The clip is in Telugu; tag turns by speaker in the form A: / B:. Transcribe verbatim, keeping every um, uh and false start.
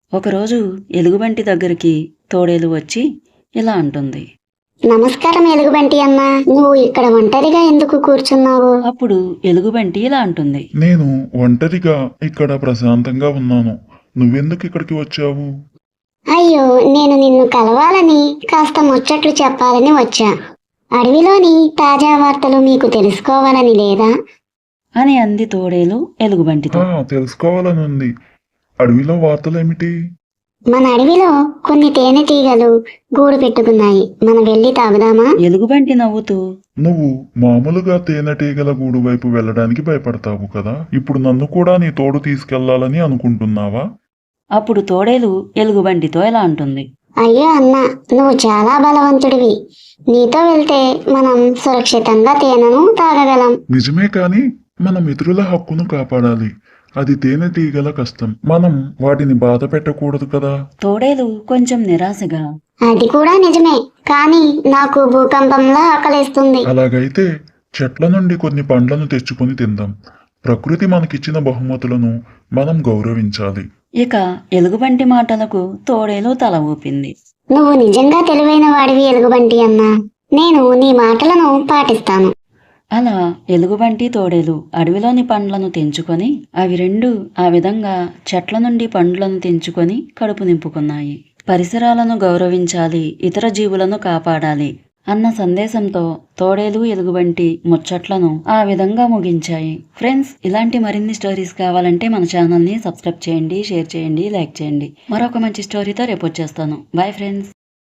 A: ఒకరోజు ఎలుగుబంటి దగ్గరికి తోడేలు వచ్చి ఇలా అంటుంది.
B: నమస్కారం ఎలుగుబంటి అన్నా, నువ్వు ఇక్కడ ఒంటరిగా ఎందుకు కూర్చున్నావు?
A: అప్పుడు ఎలుగుబంటి ఇలా అంటుంది.
C: నేను ఒంటరిగా ఇక్కడ ప్రశాంతంగా ఉన్నాను. నువ్వెందుకు ఇక్కడికి వచ్చావు?
B: అయ్యో, నేను నిన్ను కలవాలని కాస్త ముచ్చట్లు చెప్పాలని వచ్చా. అడవిలోని తాజా వార్తలు మీకు తెలుసుకోవాలని లేదా?
A: అని అంది తోడేలు ఎలుగుబంటితో.
C: ఆ, తెలుసుకోవాలని ఉంది. అడవిలో వార్తలేమిటి?
B: మన అడవిలో కొన్ని తేనెటీగలు గూడు పెట్టుకున్నాయి. మనం వెళ్ళి తాగుదామా?
A: ఎలుగుబంటి నవ్వుతూ,
C: నువ్వు మామూలుగా తేనెటీగల గూడు వైపు వెళ్ళడానికి భయపడతావు కదా, ఇప్పుడు నన్ను కూడా నీ తోడు తీసుకెళ్లాలని అనుకుంటున్నావా?
A: అప్పుడు తోడేలు ఎలుగుబంటితో ఇలా అంటుంది.
B: అయ్యో అన్నా, నువ్వు చాలా బలవంతుడివి. నీతో వెళ్తే మనం సురక్షితంగా తేనెను తాగగలం.
C: నిజమే, కాని మన మిత్రుల హక్కును కాపాడాలి. అది తేనెటీగల కష్టం. మనం వాటిని బాధ పెట్టకూడదు కదా.
A: తోడేలు కొంచెం నిరాశగా,
B: అది కూడా నిజమే, కానీ నాకు భూకంపంలా ఆకలేస్తుంది.
C: అలాగైతే చెట్ల నుండి కొన్ని పండ్లను తెచ్చుకొని తిందాం. ప్రకృతి మనకిచ్చిన బహుమతులను మనం గౌరవించాలి.
A: ఇక ఎలుగుబంటి మాటలకు తోడేలు తల ఊపింది.
B: నువ్వు నిజంగా తెలివైన వాడివి ఎలుగుబంటి అన్నా. నేను నీ మాటలను పాటిస్తాను.
A: అలా ఎలుగుబంటి తోడేలు అడవిలోని పండ్లను తెంచుకొని అవి రెండు ఆ విధంగా చెట్ల నుండి పండ్లను తెంచుకొని కడుపు నింపుకున్నాయి. పరిసరాలను గౌరవించాలి, ఇతర జీవులను కాపాడాలి అన్న సందేశంతో తోడేలు ఎలుగుబంటి ముచ్చట్లను ఆ విధంగా ముగించాయి. ఫ్రెండ్స్, ఇలాంటి మరిన్ని స్టోరీస్ కావాలంటే మన ఛానల్ని సబ్స్క్రైబ్ చేయండి, షేర్ చేయండి, లైక్ చేయండి. మరొక మంచి స్టోరీతో రేపు వచ్చేస్తాను. Bye friends.